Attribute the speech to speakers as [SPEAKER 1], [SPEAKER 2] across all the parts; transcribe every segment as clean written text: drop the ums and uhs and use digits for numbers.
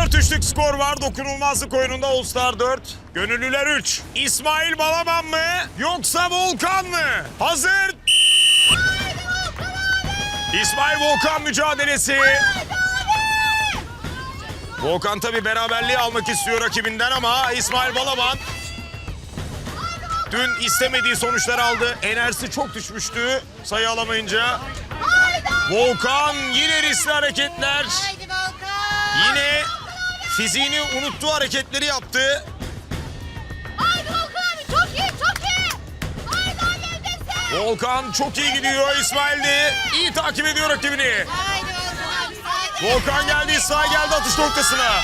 [SPEAKER 1] 4-3'lük skor var dokunulmazlık oyununda All Star 4. Gönüllüler 3. İsmail Balaban mı yoksa Volkan mı? Hazır. İsmail Volkan mücadelesi. Volkan tabii beraberliği almak istiyor rakibinden ama İsmail Balaban dün istemediği sonuçlar aldı. Enerjisi çok düşmüştü sayı alamayınca. Volkan yine riskli hareketler. Yine fiziğini unuttuğu hareketleri yaptı.
[SPEAKER 2] Haydi Volkan abi, çok iyi, çok iyi. Haydi halledin.
[SPEAKER 1] Volkan çok iyi gidiyor. İsmail de iyi takip ediyor rakibini.
[SPEAKER 2] Haydi Volkan.
[SPEAKER 1] Volkan geldi, İsmail geldi atış noktasına.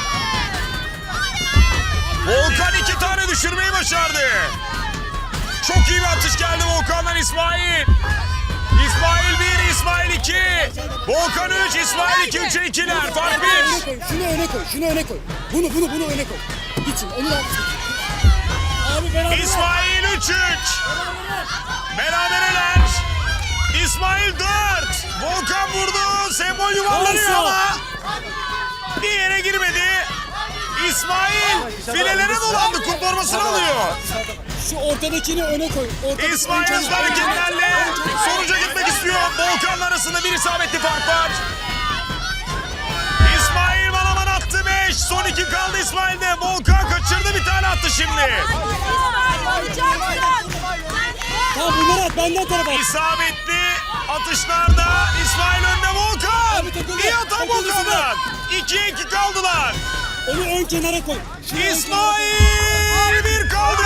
[SPEAKER 1] Volkan 2 tane düşürmeyi başardı. Çok iyi bir atış geldi Volkan'dan İsmail. İsmail 1, İsmail 2. Volkan 3, İsmail 2, 3'e 2'ler. Fark 1.
[SPEAKER 3] Şunu öne koy, şunu öne koy. Bunu öne koy. Gitsin, onu da... Abi beraber...
[SPEAKER 1] İsmail 3-3. Berabereler. İsmail 4. Volkan vurdu. Sembol yuvarlanıyor ama bir yere girmedi. İsmail filelere dolandı. Kum formasını alıyor.
[SPEAKER 3] Şu ortadakini öne koy.
[SPEAKER 1] İsmail hızlı hareketlerle sonuca gitmek istiyor. Volkan'la arasında bir isabetli fark var. İsmail Balaban attı 5. Son 2 kaldı İsmail'de. Volkan kaçırdı, bir tane attı şimdi.
[SPEAKER 3] Tamam bunları at, benden tarafa at.
[SPEAKER 1] İsabetli atışlarda İsmail önde. Volkan. İyi atan Volkan'dan. 2'ye 2 kaldılar.
[SPEAKER 3] Onu ön kenara koy.
[SPEAKER 1] İsmail 1 kaldı.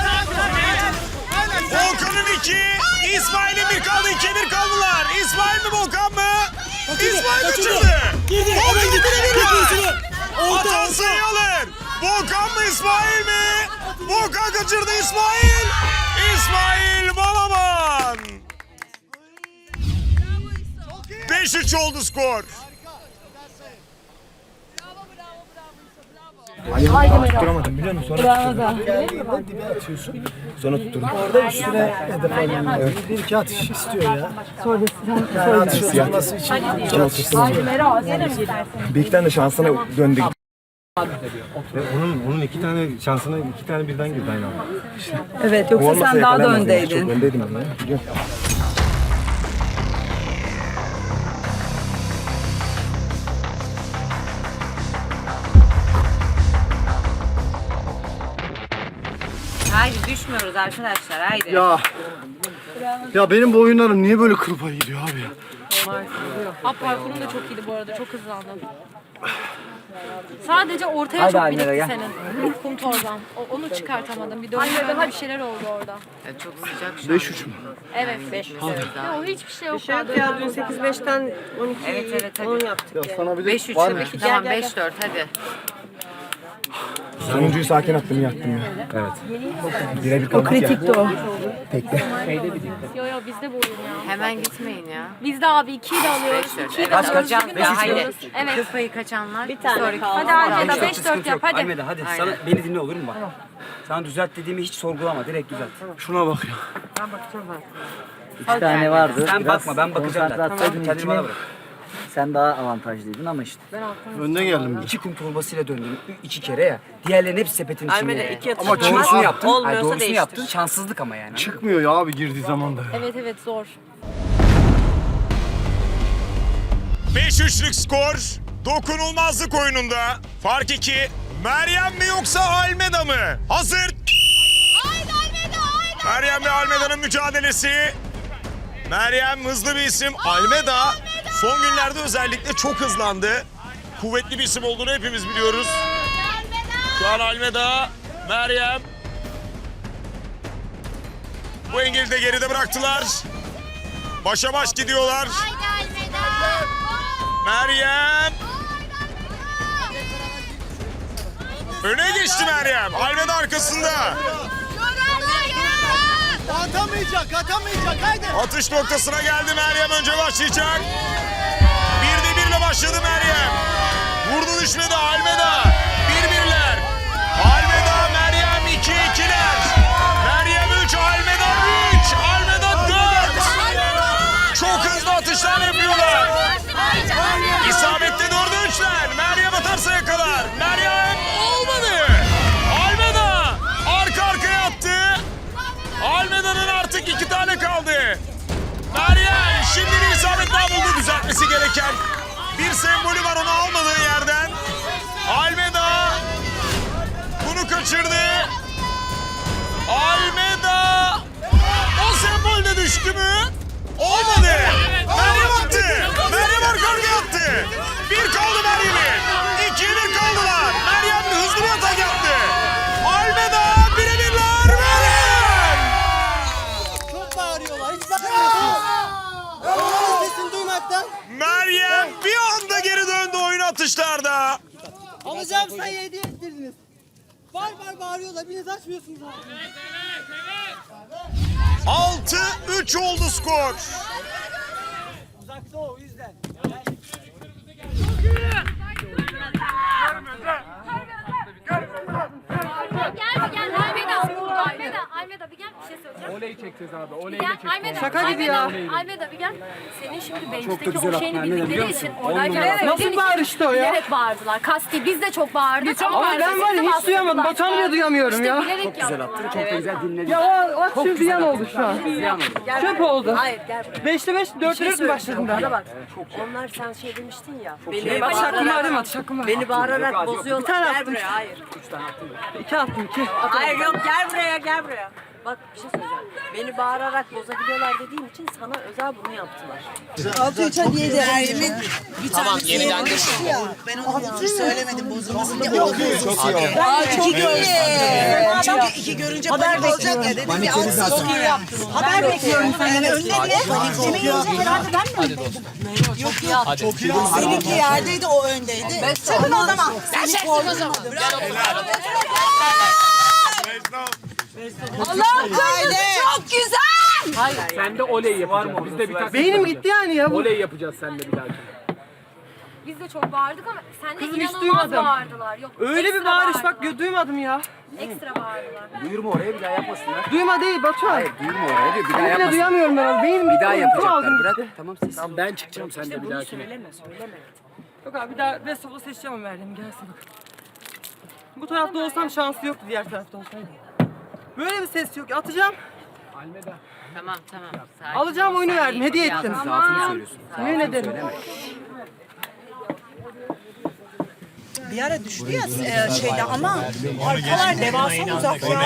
[SPEAKER 1] Volkan'ın 2, İsmail'in 1 kaldı. 2'ye 1 kaldılar. İsmail mi Volkan mı? İsmail kaçırdı. Volkan bire. Atan sayı alır. Volkan mı İsmail mi? Volkan kaçırdı İsmail. İsmail Balaban. 5-3 oldu skor.
[SPEAKER 4] Tutturamadım biliyor musun? Sonra dibe atıyorsun. Sonra tutturdum. Orada üstüne hedef almam. Evet. Bir iki atış istiyor ya. Yani atış atması için iki atış istiyor. Bir iki tane de şansına döndü.
[SPEAKER 5] Ve onun iki tane şansına iki tane birden girdi aynı anda.
[SPEAKER 6] Evet, yoksa sen daha da öndeydin.
[SPEAKER 4] Çok öndeydim ben ya. Biliyorum.
[SPEAKER 6] Haydi düşmüyoruz arkadaşlar, haydi.
[SPEAKER 5] Ya benim bu oyunlarım niye böyle kıl payı gidiyor abi ya?
[SPEAKER 7] Parkurun da çok iyiydi bu arada, çok hızlandın. Sadece ortaya çok birikti senin. Kum torban. Onu çıkartamadım. Bir dönüşte bir şeyler oldu orada.
[SPEAKER 6] Çok sıcak şu an.
[SPEAKER 5] 5-3 mü?
[SPEAKER 7] Evet. 5 Ya o hiçbir şey yok.
[SPEAKER 8] Ya dün 8-5'ten 12
[SPEAKER 6] Evet, hadi.
[SPEAKER 8] 10 yaptık ya.
[SPEAKER 5] Sana bir de
[SPEAKER 6] 5-3
[SPEAKER 5] var mı?
[SPEAKER 6] tabii ki. Tamam 5-4 hadi.
[SPEAKER 4] Sonuncuyu sakin attım, yaktım ya.
[SPEAKER 5] Evet.
[SPEAKER 4] Birebir kaldık ya.
[SPEAKER 6] Kritikti o.
[SPEAKER 7] Yo bizde bu oyun ya.
[SPEAKER 6] Hemen gitmeyin ya.
[SPEAKER 7] Bizde abi 2'yi de alıyoruz.
[SPEAKER 6] 5-4.
[SPEAKER 7] 2'yi de
[SPEAKER 6] Evet,
[SPEAKER 7] alıyoruz.
[SPEAKER 6] hocam
[SPEAKER 7] Bugün de
[SPEAKER 6] ya haydi.
[SPEAKER 7] alıyoruz. Evet.
[SPEAKER 6] Kıl payı kaçanlar bir
[SPEAKER 8] tane kaldı.
[SPEAKER 7] Hadi Almeda 5-4 yap hadi.
[SPEAKER 9] Almeda hadi
[SPEAKER 6] Aynen.
[SPEAKER 9] sana beni dinle olur mu bak? Sana düzelt dediğimi hiç sorgulama, direkt düzelt.
[SPEAKER 5] Şuna bak ya.
[SPEAKER 9] İki tane vardı. Sen bakma, ben bakacağım zaten.
[SPEAKER 10] Konsantre
[SPEAKER 9] Kendini bana bırak.
[SPEAKER 10] Sen daha avantajlıydın ama işte.
[SPEAKER 5] Önden geldim.
[SPEAKER 9] 2 kum torbasıyla döndüm 2 kere ya. Diğerlerinin hepsi sepetin içinde.
[SPEAKER 8] Almeda
[SPEAKER 9] yani.
[SPEAKER 8] 2 atış.
[SPEAKER 9] Ama doğrusunu yaptın.
[SPEAKER 8] Olmuyorsa
[SPEAKER 9] Hayır, doğrusunu
[SPEAKER 8] değiştir.
[SPEAKER 9] yaptın. Şanssızlık ama yani.
[SPEAKER 5] Çıkmıyor ya abi girdiği zaman da ya.
[SPEAKER 7] Evet zor.
[SPEAKER 1] 5-3'lük skor dokunulmazlık oyununda. Fark 2. Meryem mi yoksa Almeda mı? Hazır.
[SPEAKER 2] Haydi Almeda, haydi.
[SPEAKER 1] Meryem ve Almeda'nın mücadelesi. Meryem hızlı bir isim. Almeda son günlerde özellikle çok hızlandı. Kuvvetli bir isim olduğunu hepimiz biliyoruz. Şu an Almeda, Meryem. Bu engeli de geride bıraktılar. Başa baş gidiyorlar.
[SPEAKER 2] Haydi Almeda.
[SPEAKER 1] Meryem. Öne geçti Meryem. Almeda arkasında.
[SPEAKER 3] Atamayacak, haydi.
[SPEAKER 1] Atış noktasına geldi Meryem. Önce başlayacak. 1'de 1'le başladı Meryem. Vurdu düşmedi Almeda. 1-1'ler. Almeda, Meryem 2-2'ler. Meryem 3, Almeda 3. Almeda 4. Çok hızlı atışlar yapıyorlar. İsabetli 4'e 3'ler. Meryem atarsa yakalar. etmesi gereken bir sembolü var, onu almadığı yerden. Almeda bunu kaçırdı. Almeda o sembolde düştü mü? Olmadı. Meryem attı. Meryem arka arkaya attı. Bir kaldı Meryem'in. 2-1 kaldılar. Meryem hızlı bir atak yaptı. Almeda birebirler. Meryem!
[SPEAKER 3] Çok bağırıyorlar. Hiç bakmıyorsunuz. Onların sesini duymaktan.
[SPEAKER 1] Meryem bir anda geri döndü oyun atışlarda.
[SPEAKER 3] Alacağım sayı hediye ettirdiniz. Var bağırıyorlar. Biriniz açmıyorsunuz abi.
[SPEAKER 1] 6-3 oldu skor.
[SPEAKER 3] Uzakta o yüzden.
[SPEAKER 2] Almeda bir gel bir şey söyleyeceğim.
[SPEAKER 5] Olayı çekeceğiz abi. Olayı
[SPEAKER 2] Gel Almeda.
[SPEAKER 7] Şaka gibi ya.
[SPEAKER 2] Almeda bir gel. Senin şimdi
[SPEAKER 9] Çok da
[SPEAKER 2] bench'teki
[SPEAKER 9] güzel
[SPEAKER 2] o şeyini
[SPEAKER 9] attın, Almeda,
[SPEAKER 2] bildikleri
[SPEAKER 9] biliyor
[SPEAKER 2] için
[SPEAKER 9] musun?
[SPEAKER 2] oradayken
[SPEAKER 7] Nasıl bağırıştı o ya?
[SPEAKER 2] bilerek bağırdılar. Kasti biz de çok bağırdık.
[SPEAKER 7] Ama ben var ya hiç duyamadım. Batuhan bile duyamıyorum ya.
[SPEAKER 2] Çok
[SPEAKER 9] Güzel attın. Çok da güzel dinledim.
[SPEAKER 7] Ya o şu ziyan oldu şu an.
[SPEAKER 9] Ziyan oldu.
[SPEAKER 7] Çöp oldu.
[SPEAKER 8] Hayır gel buraya.
[SPEAKER 7] 5'te 5, 4'te 4 mü başladım ben?
[SPEAKER 8] Bana bak. Onlar sen şey demiştin ya. Beni
[SPEAKER 7] Bak şakkım var değil mi? Şakkım var.
[SPEAKER 8] Beni bağırarak bozuyorlar.
[SPEAKER 7] Bir tane
[SPEAKER 8] Gel
[SPEAKER 7] attım.
[SPEAKER 8] buraya. Hayır.
[SPEAKER 7] 2 attım 2.
[SPEAKER 8] Hayır yok gel buraya gel buraya. Bak bir şey söyleyeceğim. Beni bağırarak bozabiliyorlar dediğim için sana özel bunu yaptılar.
[SPEAKER 3] 6-3 hediye ederim.
[SPEAKER 11] Tamam yeniden geçti ya. Ben onu söylemedim bozulmasın diye. O bozulsun. İki görünce. Çünkü iki görünce panik olacak ya dedim ya. Çok iyi yaptın. Haber bekliyorum senden. Önüne niye? Kimin yiyecek herhalde ben mi? Yok ya. Çok iyi. Seninki yerdeydi o öndeydi. Çıkın o zaman. Ben çektim o zaman.
[SPEAKER 2] Allah'ım kırmızı çok güzel.
[SPEAKER 5] Sen de oley yapacağız. Biz de bir taktik
[SPEAKER 7] Beynim
[SPEAKER 5] yapacağız.
[SPEAKER 7] gitti yani ya bu.
[SPEAKER 5] Oley yapacağız seninle bir dahaki.
[SPEAKER 2] Biz de çok bağırdık ama sen de
[SPEAKER 7] Kızım hiç
[SPEAKER 2] inanılmaz
[SPEAKER 7] duymadım.
[SPEAKER 2] bağırdılar. Yok,
[SPEAKER 7] Öyle bir
[SPEAKER 2] ekstra
[SPEAKER 7] bağırış bak
[SPEAKER 2] bağırdılar.
[SPEAKER 7] duymadım ya.
[SPEAKER 2] Ekstra bağırdılar.
[SPEAKER 9] Duyurma oraya bir daha yapmasınlar.
[SPEAKER 7] Duyma değil Batuhan.
[SPEAKER 9] Hayır duyurma oraya diyor. Bir daha
[SPEAKER 7] Ben bile
[SPEAKER 9] yapmasınlar.
[SPEAKER 7] duyamıyorum ben. Beynim
[SPEAKER 9] Bir
[SPEAKER 7] gitti.
[SPEAKER 9] daha
[SPEAKER 7] Uyku
[SPEAKER 9] yapacaklar.
[SPEAKER 7] aldım
[SPEAKER 9] Bırak.
[SPEAKER 7] gitti.
[SPEAKER 9] Tamam sessiz.
[SPEAKER 5] Tamam ben çıkacağım sen de bir dahakine.
[SPEAKER 8] Söyleme.
[SPEAKER 7] Yok abi bir daha best of'u seçeceğim Meryem gelsin bak. Bu tarafta olsam şansı yoktu diğer tarafta olsaydı. Böyle bir ses yok. Atacağım.
[SPEAKER 6] Tamam. Sakin
[SPEAKER 7] Alacağım
[SPEAKER 6] ol,
[SPEAKER 7] oyunu
[SPEAKER 6] sen
[SPEAKER 7] verdim.
[SPEAKER 6] iyi
[SPEAKER 7] Hediye
[SPEAKER 6] bak,
[SPEAKER 7] ettim.
[SPEAKER 9] Zaafını söylüyorsun.
[SPEAKER 7] Yemin ederim.
[SPEAKER 11] Bir ara düştü ya şeyde ama arkalar devasa uzak ya.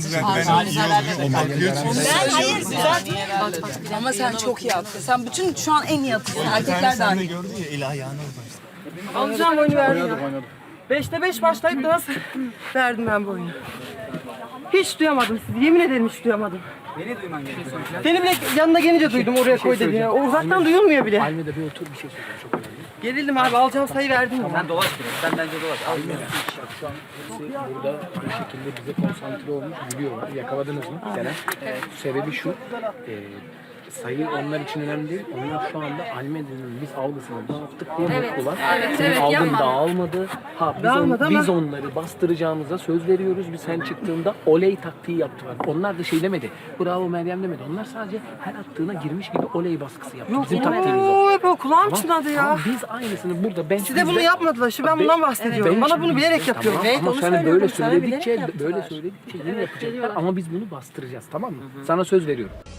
[SPEAKER 11] Ben hayır güzel. Ama sen çok iyi attın. Sen bütün şu an en iyi atıyorsun. Erkekler dahil.
[SPEAKER 7] Alacağım oyunu verdim ya. 5'te 5 başlayıp da nasıl verdim ben bu oyunu. Hiç duyamadım sizi. Yemin ederim hiç duyamadım.
[SPEAKER 9] Beni duyman gerekiyor.
[SPEAKER 7] Seni bile yanına gelince duydum oraya koy dediğini. O uzaktan duyulmuyor bile.
[SPEAKER 5] Almeda bir otur bir şey söyleyeceğim. Çok önemli.
[SPEAKER 7] Gerildim abi alacağım sayı verdim ya.
[SPEAKER 9] Sen dolaş biraz. Sen bence dolaş. Al.
[SPEAKER 5] Şu an hepsi burada bir şekilde bize konsantre olmuş gülüyorlar. Yakaladınız mı? Evet. Sebebi şu. Sayı onlar için önemli değil. Onlar şu anda Almeda'nın biz algısını dağıttık diye mutlular. Senin algın dağılmadı. Biz onları bastıracağımıza söz veriyoruz. Biz sen çıktığında oley taktiği yaptılar. Onlar da şey demedi. Bravo Meryem demedi. Onlar sadece her attığına girmiş gibi oley baskısı yaptı. Bizim taktiğimiz o.
[SPEAKER 7] Oo hep o kulağım çınladı ya.
[SPEAKER 5] Tamam, biz aynısını burada ben
[SPEAKER 7] Size bunu yapmadılar. Şimdi ben bundan bahsediyorum. Bana bunu bilerek yapıyorum.
[SPEAKER 5] Tamam, ama sen böyle söyledikçe yine yapacaklar ama biz bunu bastıracağız, tamam mı? Sana söz veriyorum.